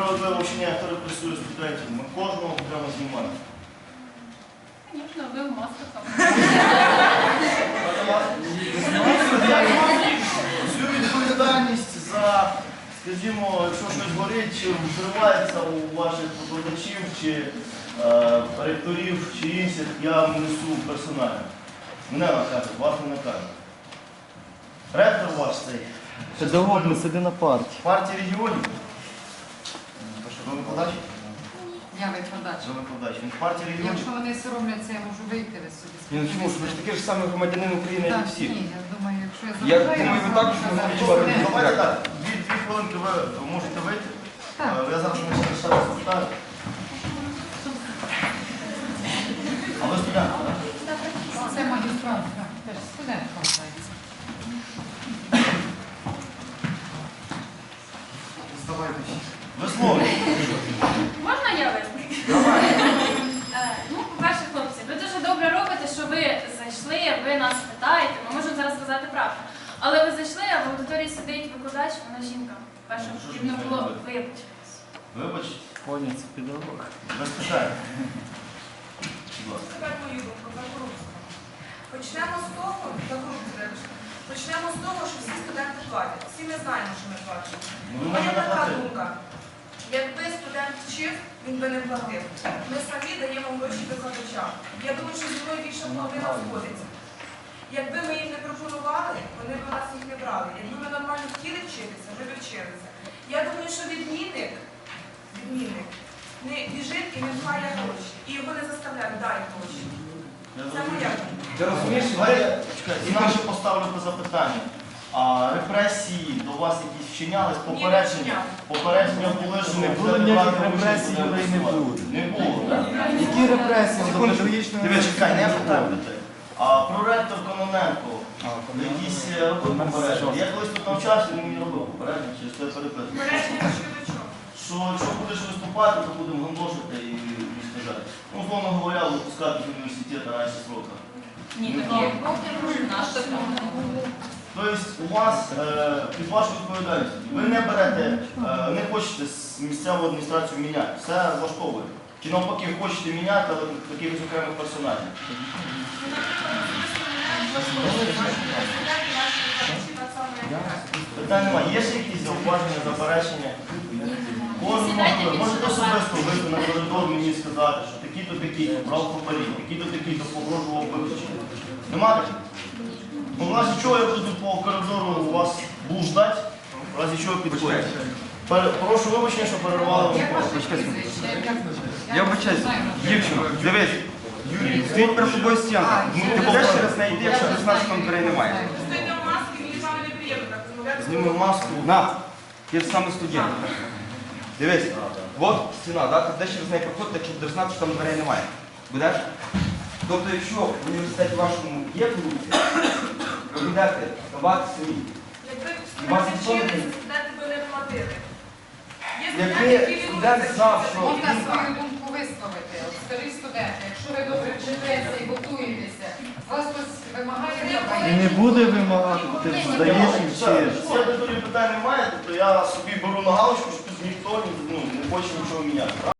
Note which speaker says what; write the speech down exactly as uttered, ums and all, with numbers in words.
Speaker 1: справедливо вчення, хто репресує студентів. Ми кожного окремо знімаємо.
Speaker 2: Звісно, ви в масках.
Speaker 1: Всю відповідальність за, скажімо, якщо щось горить, чи вкривається у ваших викладачів, чи е, ректорів, чи інших, я несу персонально. Мене накажуть, вас не накажуть. Ректор ваш цей.
Speaker 3: Педагог не сиди на парті.
Speaker 1: Партії регіонів. То що, ви викладач?
Speaker 4: Я викладач.
Speaker 1: Ви викладач. Він в партії регіонів.
Speaker 4: Якщо вони соромляться, я можу вийти ви собі.
Speaker 3: Ні, ну чому ж, ви ж такий ж самий громадянин України, як і
Speaker 4: Так,
Speaker 3: всі.
Speaker 4: ні, я думаю, якщо я
Speaker 3: Я
Speaker 4: запитаю,
Speaker 3: думаю, ви
Speaker 4: я
Speaker 3: також
Speaker 4: можу
Speaker 3: не
Speaker 4: сказати,
Speaker 3: говорите,
Speaker 4: що
Speaker 1: Давайте
Speaker 4: не.
Speaker 1: так, дві, дві хвилинки ви можете вийти.
Speaker 4: Так.
Speaker 1: Е, Я зараз не ще раз питаю. А ви студент, так?
Speaker 4: Це магістрант, так, теж студент вважається.
Speaker 1: Ви слово.
Speaker 2: Можна я виступлю? Е, Ну, по-перше, хлопці, ви дуже добре робите, що ви зайшли, ви нас питаєте, ми можемо зараз сказати правду. Але ви зайшли, а в аудиторії сидить викладач, вона жінка. Перше,
Speaker 1: Ну, що ж
Speaker 2: потрібно
Speaker 1: ви
Speaker 2: було
Speaker 1: робите?
Speaker 2: вибачитись.
Speaker 1: Вибачте,
Speaker 3: Коня, це педагог.
Speaker 1: без питань. Будь ласка.
Speaker 5: Тепер мою думку про корупцію. Почнемо з того, про корупцію, почнемо з того, що всі студенти платять. Всі ми знаємо, що ми платимо.
Speaker 1: Ну,
Speaker 5: У
Speaker 1: ви
Speaker 5: мене
Speaker 1: можете
Speaker 5: така
Speaker 1: платити.
Speaker 5: думка. Якби студент вчив, він би не платив. Ми самі даємо гроші викладачам. Я думаю, що зі мною більше половина згодиться. Якби ми їм не пропонували, вони б у нас їх не брали. Якби ми нормально хотіли вчитися, ми б вчилися. Я думаю, що відмінник, відмінник не біжить і не має гроші. І його не заставляють, дай гроші. Це моя думка.
Speaker 3: Ти розумієш,
Speaker 1: Давайте, чекайте, інакше поставлю по запитання. А репресії до вас якісь вчинялись? Попередження?
Speaker 5: вчиняли.
Speaker 1: Попередження були, що
Speaker 3: Не було
Speaker 1: це
Speaker 3: ніяких
Speaker 1: брати участь
Speaker 3: репресій,
Speaker 1: у
Speaker 3: людей не
Speaker 1: голосуванні?
Speaker 3: буде.
Speaker 1: Не було, так?
Speaker 3: Які репресії?
Speaker 1: Секунду,
Speaker 3: Педагогічної
Speaker 1: Диви, чекай, не
Speaker 3: організації?
Speaker 1: питайте. А про ректор Кононенко,
Speaker 3: А, Кононенко.
Speaker 1: якісь е, робив попередження. Я колись тут навчався, він мені робив попередження, через те переписую.
Speaker 5: Бережні щодо чого?
Speaker 1: Що якщо будеш виступати, то будемо гандошити і розказати. Ну, условно говоря, випускати з університету раніше срока.
Speaker 2: Ні,
Speaker 1: Не
Speaker 2: такого
Speaker 1: було.
Speaker 2: наш такого не було.
Speaker 1: Тобто у вас е, під вашу відповідальність, ви не берете, е, не хочете з місцеву адміністрацію міняти, все влаштовує. Чи навпаки хочете міняти, але якихось окремих персонажів. Питань немає. Є ще якісь зауваження, заперечення? Кожен може, можете особисто вийти на коридор мені сказати, що такі-то такі-то брав хабарі, такі-то такі-то погрожував виключення. Нема таких? Ну, в разі чого я буду по коридору у вас блуждати, в разі чого підходять. Пере- Прошу вибачення, що перервали вам.
Speaker 4: Як ваше
Speaker 3: Почекай,
Speaker 4: прізвище? Як-
Speaker 3: Я вибачаюсь,
Speaker 4: знаю.
Speaker 3: дівчина, дивись,
Speaker 1: Юрій,
Speaker 3: стоїть перед тобою стінка.
Speaker 4: А,
Speaker 3: Ну,
Speaker 4: я
Speaker 3: ти
Speaker 4: знаю.
Speaker 3: будеш через неї йти, якщо
Speaker 4: Я
Speaker 3: ти знаєш,
Speaker 4: знаю.
Speaker 3: там дверей немає.
Speaker 5: Стоїть в масці, мені з вами неприємно так розмовляти.
Speaker 1: знімемо маску.
Speaker 3: На, ти ж саме студент. Дивись, от стіна, да? Ти будеш через неї проходити, якщо будеш знати, що там дверей немає. Будеш? Тобто, якщо в університеті вашому є корупція, ви будете давати самі.
Speaker 5: Якби
Speaker 3: Вас
Speaker 5: студенти
Speaker 3: ніхто не-
Speaker 5: вчилися, студенти би не платили. Є
Speaker 3: Якби
Speaker 5: студенти, які
Speaker 3: студент
Speaker 5: відмовляються
Speaker 3: знав,
Speaker 5: вчитися.
Speaker 3: що
Speaker 4: Можна свою думку висловити. От, старі студенти, якщо ви добре вчитеся і готуєтеся, вас хтось вимагає
Speaker 3: І не буде вимагати, ти
Speaker 2: Ні,
Speaker 3: здаєш і
Speaker 1: Все,
Speaker 3: вчиш.
Speaker 1: якщо до питань немає, то я собі беру на галочку, що тут ніхто ну, не хоче нічого міняти.